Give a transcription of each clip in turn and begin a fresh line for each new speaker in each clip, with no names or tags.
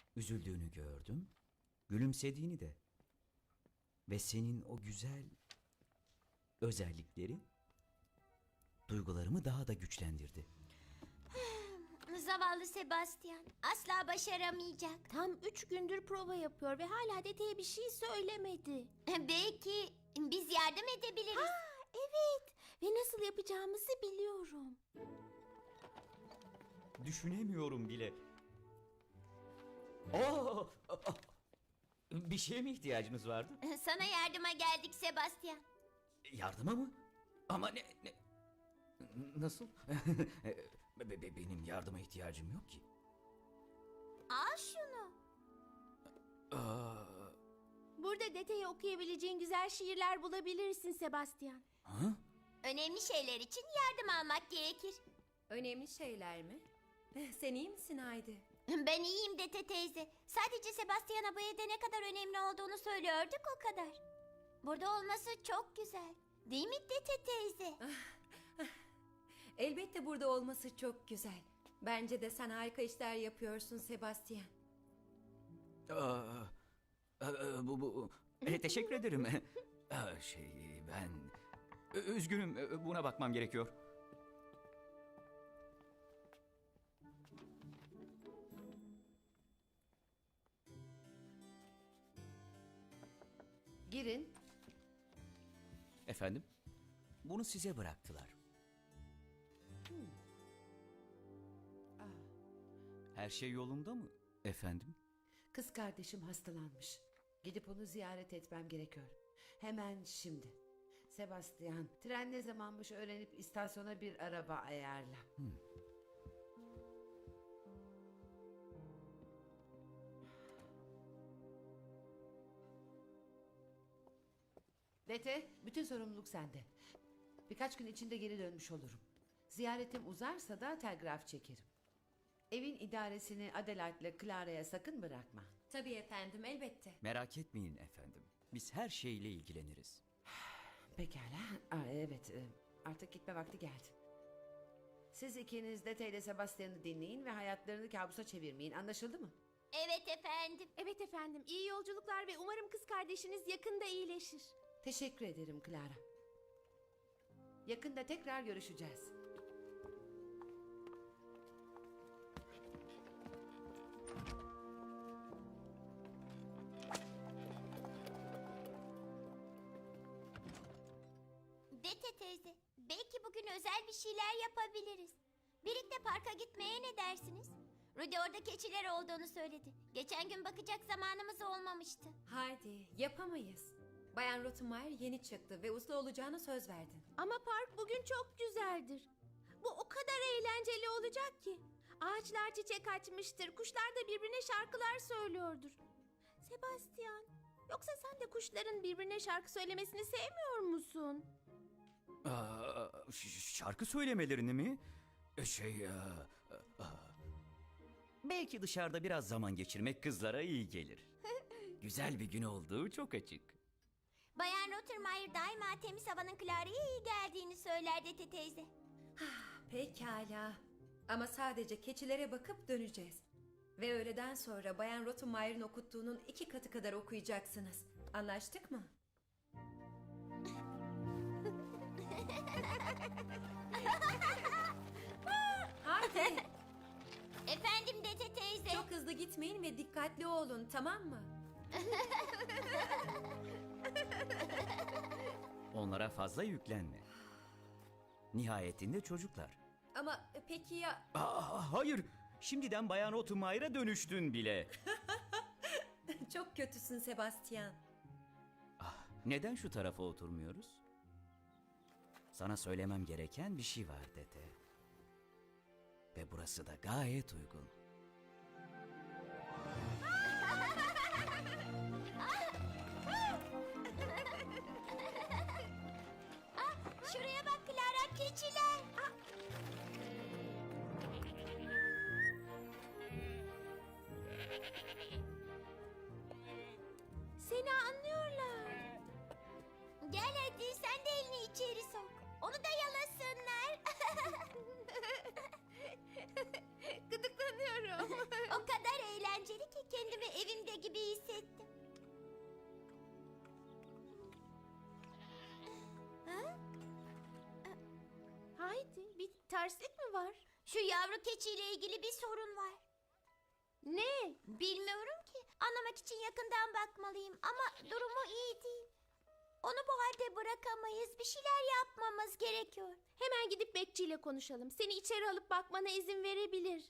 Üzüldüğünü gördüm, gülümsediğini de. Ve senin o güzel özellikleri duygularımı daha da güçlendirdi.
Zavallı Sebastian asla başaramayacak.
Tam 3 gündür prova yapıyor ve hala dedeye bir şey söylemedi.
Belki biz yardım edebiliriz.
Evet ve nasıl yapacağımızı biliyorum.
Düşünemiyorum bile. Oo! Bir şeye mi ihtiyacınız vardı?
Sana yardıma geldik Sebastian.
Yardıma mı? Ama nasıl? Benim yardıma ihtiyacım yok ki.
Al şunu.
Aa,
Burada dedeye okuyabileceğin güzel şiirler bulabilirsin Sebastian.
ha?
Önemli şeyler için yardım almak gerekir.
Önemli şeyler mi? Sen iyi misin Haydi?
Ben iyiyim Dete teyze. Sadece Sebastian'a bu evde ne kadar önemli olduğunu söylüyorduk o kadar. Burada olması çok güzel. Değil mi Dete teyze?
Elbette burada olması çok güzel. Bence de sen harika işler yapıyorsun Sebastian.
Aa, teşekkür ederim. Ben üzgünüm, buna bakmam gerekiyor.
Girin.
Efendim? Bunu size bıraktılar. Her şey yolunda mı efendim?
Kız kardeşim hastalanmış. Gidip onu ziyaret etmem gerekiyor. Hemen şimdi. Sebastian, tren ne zamanmış öğrenip istasyona bir araba ayarla. Dete, bütün sorumluluk sende. Birkaç gün içinde geri dönmüş olurum. Ziyaretim uzarsa da telgraf çekerim. Evin idaresini Adelaide'le Clara'ya sakın bırakma.
Tabii efendim, elbette.
Merak etmeyin efendim. Biz her şeyle ilgileniriz.
Pekala. Evet, artık gitme vakti geldi. Siz ikiniz Dete ile Sebastian'ı dinleyin ve hayatlarını kabusa çevirmeyin. Anlaşıldı mı?
Evet efendim.
Evet efendim, iyi yolculuklar ve umarım kız kardeşiniz yakında iyileşir.
Teşekkür ederim Clara. Yakında tekrar görüşeceğiz.
Dete teyze, belki bugün özel bir şeyler yapabiliriz. Birlikte parka gitmeye ne dersiniz? Rudy orada keçiler olduğunu söyledi. Geçen gün bakacak zamanımız olmamıştı.
Haydi, yapamayız. Bayan Rottenmeier yeni çıktı ve uslu olacağına söz verdin.
Ama park bugün çok güzeldir. Bu o kadar eğlenceli olacak ki. Ağaçlar çiçek açmıştır, kuşlar da birbirine şarkılar söylüyordur. Sebastian, yoksa sen de kuşların birbirine şarkı söylemesini sevmiyor musun?
Şarkı söylemelerini mi? Belki dışarıda biraz zaman geçirmek kızlara iyi gelir. Güzel bir gün olduğu çok açık.
Bayan Rottenmeier daima temiz havanın Clara'ya iyi geldiğini söyler Dete teyze.
Pekala. Ama sadece keçilere bakıp döneceğiz. Ve öğleden sonra Bayan Rottenmeier'in okuttuğunun 2 katı kadar okuyacaksınız. Anlaştık mı? Haydi.
Efendim Dete teyze.
Çok hızlı gitmeyin ve dikkatli olun, tamam mı?
Onlara fazla yüklenme. Nihayetinde çocuklar.
Ama peki ya...
Hayır, şimdiden Bayan Rottenmeier'a dönüştün bile.
Çok kötüsün Sebastian.
Neden şu tarafa oturmuyoruz? Sana söylemem gereken bir şey var Dete. Ve burası da gayet uygun.
Şuraya bak Clara, keçiler.
Seni anlıyorlar.
Gel hadi sen de elini içeri sok. Onu da yalasınlar.
Gıdıklanıyorum.
O kadar eğlenceli eğlenceli ki kendimi evimde gibi hissettim. Ha?
Haydi, bir terslik mi var?
Şu yavru keçiyle ilgili bir sorun var.
Ne?
Bilmiyorum ki. Anlamak için yakından bakmalıyım ama durumu iyi değil. Onu bu halde bırakamayız. Bir şeyler yapmamız gerekiyor.
Hemen gidip bekçiyle konuşalım. Seni içeri alıp bakmana izin verebilir.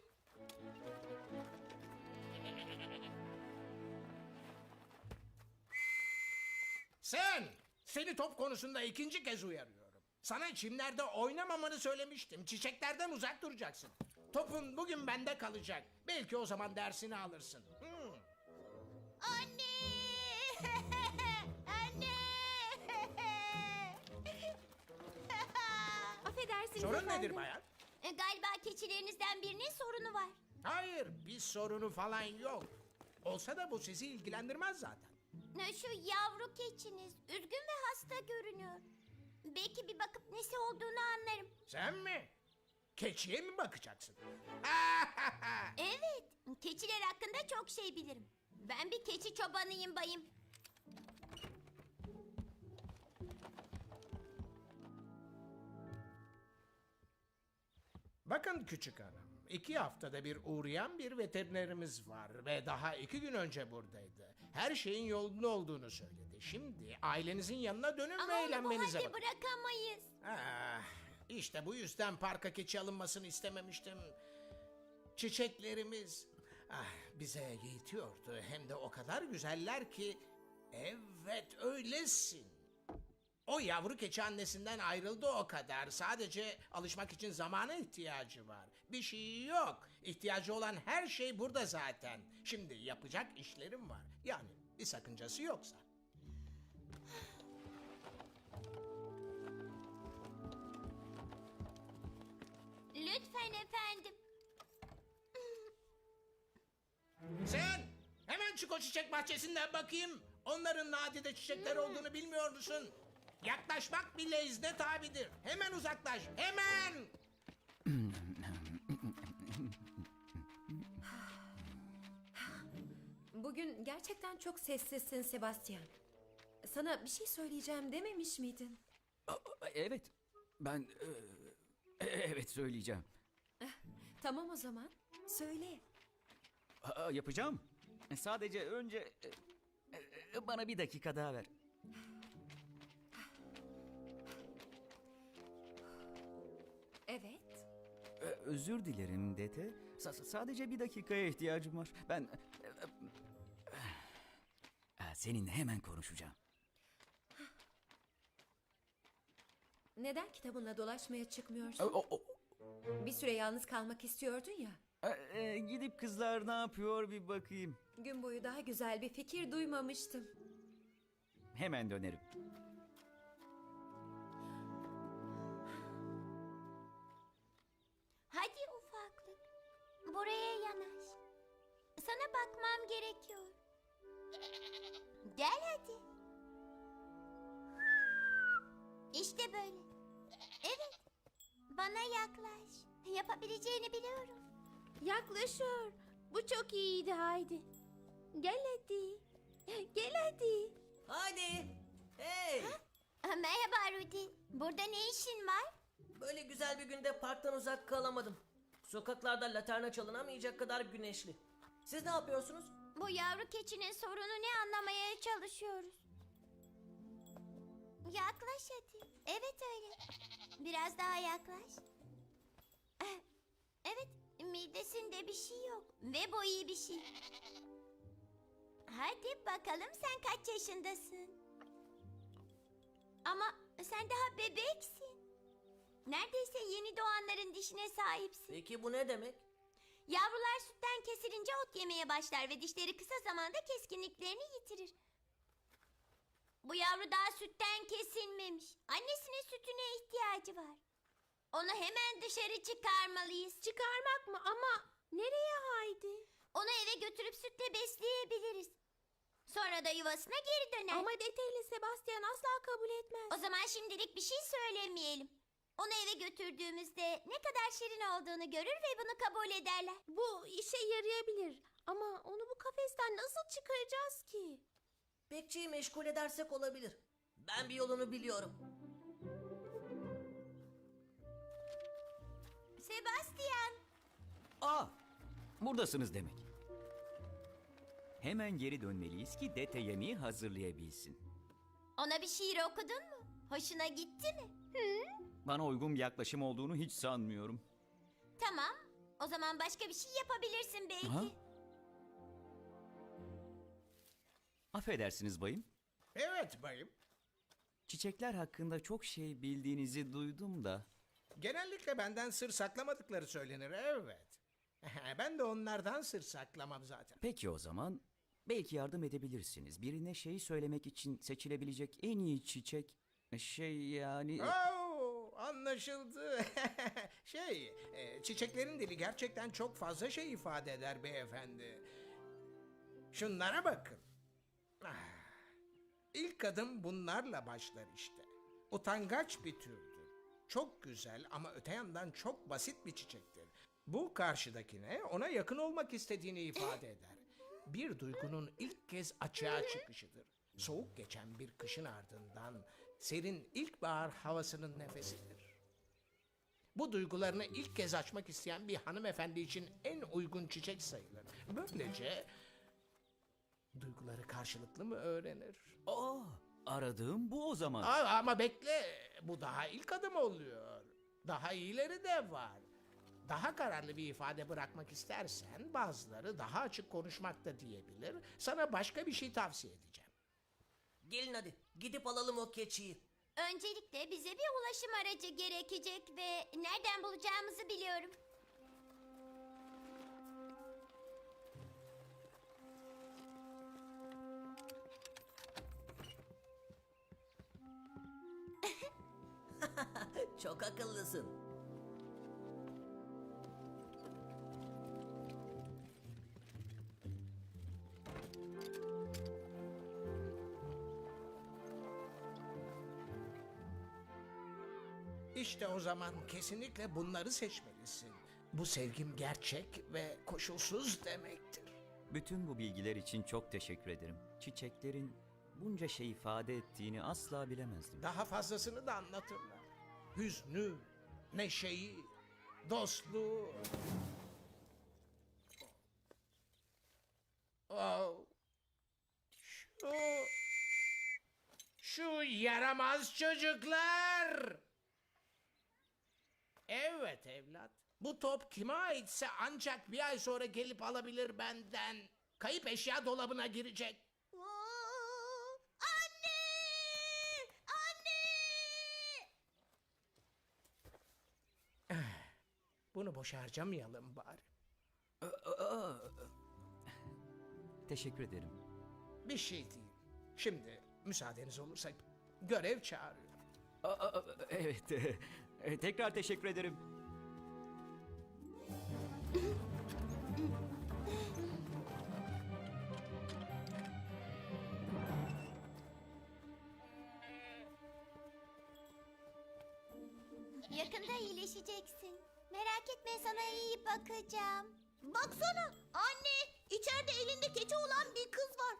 Seni top konusunda ikinci kez uyarıyorum. Sana çimlerde oynamamanı söylemiştim. Çiçeklerden uzak duracaksın. Topun bugün bende kalacak. Belki o zaman dersini alırsın.
Anne! Anne!
Affedersiniz
Sorun
efendim.
nedir bayan?
Galiba keçilerinizden birinin sorunu var.
Hayır, bir sorunu falan yok. Olsa da bu sizi ilgilendirmez zaten.
Şu yavru keçiniz üzgün ve hasta görünüyor. Belki bir bakıp nesi olduğunu anlarım.
Sen mi? Keçiye mi bakacaksın?
Evet, keçiler hakkında çok şey bilirim. Ben bir keçi çobanıyım bayım.
Bakın küçük hanım, 2 haftada bir uğrayan bir veterinerimiz var ve daha 2 gün önce buradaydı. Her şeyin yolunda olduğunu söyledi. Şimdi ailenizin yanına dönün
Ama
ve
onu bu
eğlenmenize
halde
bakın.
bırakamayız.
Ah, işte bu yüzden parka keçi alınmasını istememiştim. Çiçeklerimiz bize yetiyordu. Hem de o kadar güzeller ki. Evet öylesin. O yavru keçi annesinden ayrıldı o kadar. Sadece alışmak için zamana ihtiyacı var. Bir şey yok. İhtiyacı olan her şey burada zaten. Şimdi yapacak işlerim var. Yani bir sakıncası yoksa.
Lütfen efendim.
Sen hemen çık o çiçek bahçesinden bakayım. Onların nadide çiçekler olduğunu bilmiyor musun? Yaklaşmak bile izne tabidir. Hemen uzaklaş. Hemen.
Bugün gerçekten çok sessizsin Sebastian. Sana bir şey söyleyeceğim dememiş miydin?
Evet, ben... evet söyleyeceğim.
Tamam o zaman. Söyle.
Yapacağım. Sadece önce... bana bir dakika daha ver.
Evet.
Özür dilerim Dete. Sadece bir dakikaya ihtiyacım var. Ben... seninle hemen konuşacağım.
Neden kitabınla dolaşmaya çıkmıyorsun?
O-
Bir süre yalnız kalmak istiyordun ya.
Gidip kızlar ne yapıyor bir bakayım.
Gün boyu daha güzel bir fikir duymamıştım.
Hemen dönerim.
Hadi ufaklık. Buraya yanaş. Sana bakmam gerekiyor. Gel hadi. İşte böyle. Evet. Bana yaklaş. Yapabileceğini biliyorum.
Yaklaşıyor. Bu çok iyiydi Haydi. Gel hadi. Gel hadi.
Hadi. Hey.
Merhaba Rudy. Burada ne işin var?
Böyle güzel bir günde parktan uzak kalamadım. Sokaklarda laterna çalınamayacak kadar güneşli. Siz ne yapıyorsunuz?
Bu yavru keçinin sorunu ne anlamaya çalışıyoruz. Yaklaş hadi. Evet öyle. Biraz daha yaklaş. Evet, midesinde bir şey yok. Ve bu iyi bir şey. Hadi bakalım sen kaç yaşındasın? Ama sen daha bebeksin. Neredeyse yeni doğanların dişine sahipsin.
Peki bu ne demek?
Yavrular sütten kesilince ot yemeye başlar ve dişleri kısa zamanda keskinliklerini yitirir. Bu yavru daha sütten kesilmemiş. Annesinin sütüne ihtiyacı var. Onu hemen dışarı çıkarmalıyız.
Çıkarmak mı? Ama nereye Haydi?
Onu eve götürüp sütle besleyebiliriz. Sonra da yuvasına geri döner.
Ama Dete ile Sebastian asla kabul etmez.
O zaman şimdilik bir şey söylemeyelim. Onu eve götürdüğümüzde ne kadar şirin olduğunu görür ve bunu kabul ederler.
Bu işe yarayabilir. Ama onu bu kafesten nasıl çıkaracağız ki?
Bekçiyi meşgul edersek olabilir. Ben bir yolunu biliyorum.
Sebastian,
Aa, buradasınız demek. Hemen geri dönmeliyiz ki Dete yemeği hazırlayabilsin.
ona bir şiir okudun mu? Hoşuna gitti mi?
Bana uygun bir yaklaşım olduğunu hiç sanmıyorum.
Tamam, o zaman başka bir şey yapabilirsin belki.
Ha? Affedersiniz bayım.
Evet bayım.
Çiçekler hakkında çok şey bildiğinizi duydum da.
Genellikle benden sır saklamadıkları söylenir, evet. Ben de onlardan sır saklamam zaten.
Peki o zaman belki yardım edebilirsiniz. Birine şeyi söylemek için seçilebilecek en iyi çiçek yani...
Oo, anlaşıldı. Çiçeklerin dili gerçekten çok fazla şey ifade eder beyefendi. Şunlara bakın. Ah, İlk adım bunlarla başlar işte. Utangaç bir türdür. Çok güzel ama öte yandan çok basit bir çiçektir. Bu karşıdakine ona yakın olmak istediğini ifade eder. Bir duygunun ilk kez açığa çıkışıdır. Soğuk geçen bir kışın ardından serin ilkbahar havasının nefesidir. Bu duygularını ilk kez açmak isteyen bir hanımefendi için en uygun çiçek sayılır. Böylece duyguları karşılıklı mı öğrenir?
Aa, aradığım bu o zaman.
Ama bekle, bu daha ilk adım oluyor. Daha iyileri de var. Daha kararlı bir ifade bırakmak istersen bazıları daha açık konuşmak da diyebilir. Sana başka bir şey tavsiye edeceğim.
Gelin hadi gidip alalım o keçiyi.
Öncelikle bize bir ulaşım aracı gerekecek ve nereden bulacağımızı biliyorum.
Çok akıllısın.
İşte o zaman kesinlikle bunları seçmelisin. Bu sevgim gerçek ve koşulsuz demektir.
Bütün bu bilgiler için çok teşekkür ederim. Çiçeklerin bunca şey ifade ettiğini asla bilemezdim.
Daha fazlasını da anlatırlar. Hüznü, neşeyi, dostluğu. Oh. Şu yaramaz çocuklar. Evet evlat. Bu top kime aitse ancak bir ay sonra gelip alabilir benden. Kayıp eşya dolabına girecek.
Anne! Anne!
Bunu boş harcamayalım bari.
Teşekkür ederim.
Bir şey değil. Şimdi müsaadeniz olursa görev çağırıyor.
Evet. Tekrar teşekkür ederim.
Yakında iyileşeceksin. Merak etme, sana iyi bakacağım. Baksana anne, içeride elinde keçi olan bir kız var.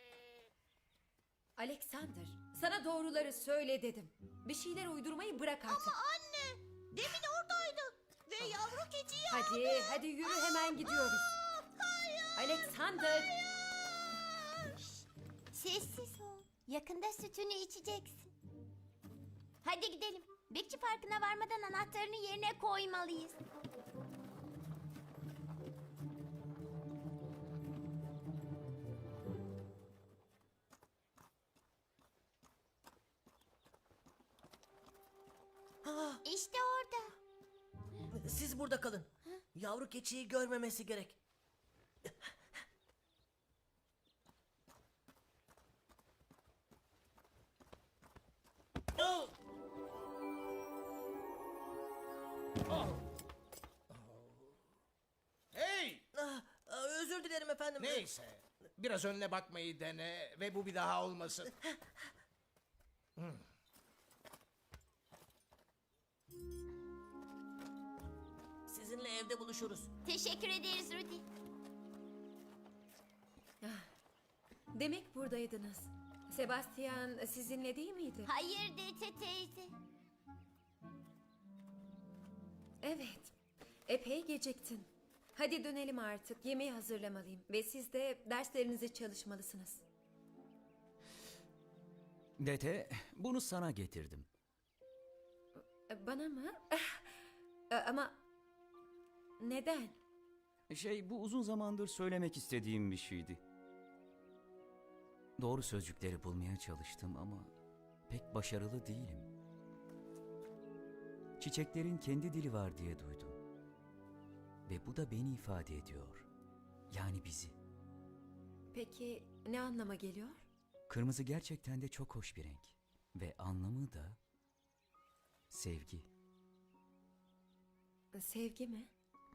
Alexander, sana doğruları söyle dedim. Bir şeyler uydurmayı bırak artık.
Anne, demin oradaydı ve yavru keçiyi
Hadi yürü, hemen gidiyoruz. Alexander!
Sessiz ol. Yakında sütünü içeceksin. Hadi gidelim. Bekçi farkına varmadan anahtarını yerine koymalıyız. İşte orada.
Siz burada kalın. Yavru keçiyi görmemesi gerek. Oh!
Hey!
Özür dilerim efendim.
Neyse. Biraz önüne bakmayı dene ve bu bir daha olmasın.
Sizinle evde buluşuruz.
Teşekkür ederiz Rudy.
Demek buradaydınız. Sebastian sizinle değil miydi?
Hayır Dete teyze.
Evet. Epey geciktin. Hadi dönelim artık. Yemeği hazırlamalıyım. Ve siz de derslerinizi çalışmalısınız.
Dete, bunu sana getirdim.
Bana mı? Ama neden?
Bu uzun zamandır söylemek istediğim bir şeydi. Doğru sözcükleri bulmaya çalıştım ama pek başarılı değilim. Çiçeklerin kendi dili var diye duydum. Ve bu da beni ifade ediyor. Yani bizi.
Peki ne anlama geliyor?
Kırmızı gerçekten de çok hoş bir renk. Ve anlamı da sevgi.
Sevgi mi?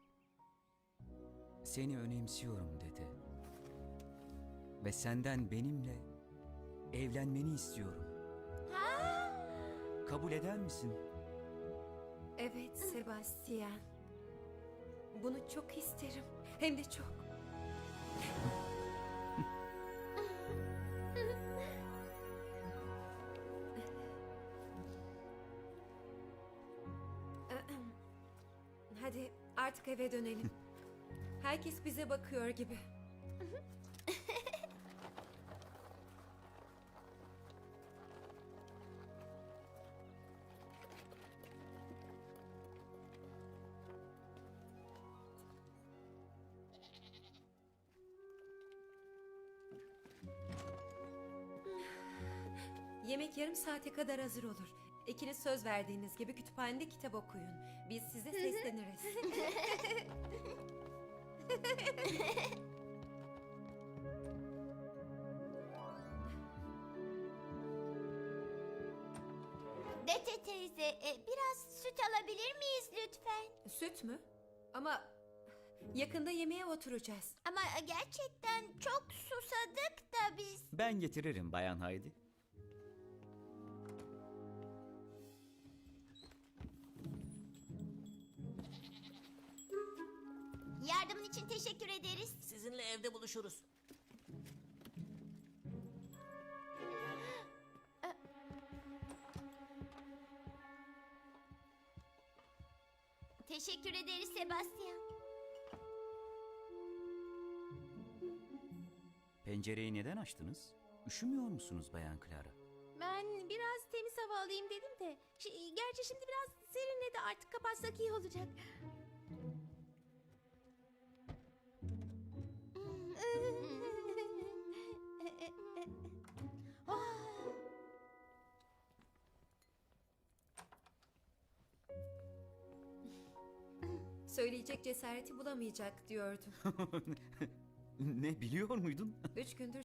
Seni önemsiyorum dede. Ve senden benimle evlenmeni istiyorum. Kabul eder misin?
Evet Sebastian. Bunu çok isterim. Hem de çok. Hadi artık eve dönelim. Herkes bize bakıyor gibi. Yemek yarım saate kadar hazır olur. İkiniz söz verdiğiniz gibi kütüphanede kitap okuyun. Biz size sesleniriz.
Dete teyze, biraz süt alabilir miyiz lütfen?
Süt mü? Ama yakında yemeğe oturacağız.
Ama gerçekten çok susadık da biz.
Ben getiririm Bayan Haydi.
Yardımın için teşekkür ederiz.
Sizinle evde buluşuruz.
Teşekkür ederiz Sebastian.
Pencereyi neden açtınız? Üşümüyor musunuz Bayan Clara?
Ben biraz temiz hava alayım dedim de. Gerçi şimdi biraz serinledi, artık kapatsak iyi olacak.
Söyleyecek cesareti bulamayacak diyordum.
Ne biliyor muydun?
3 gündür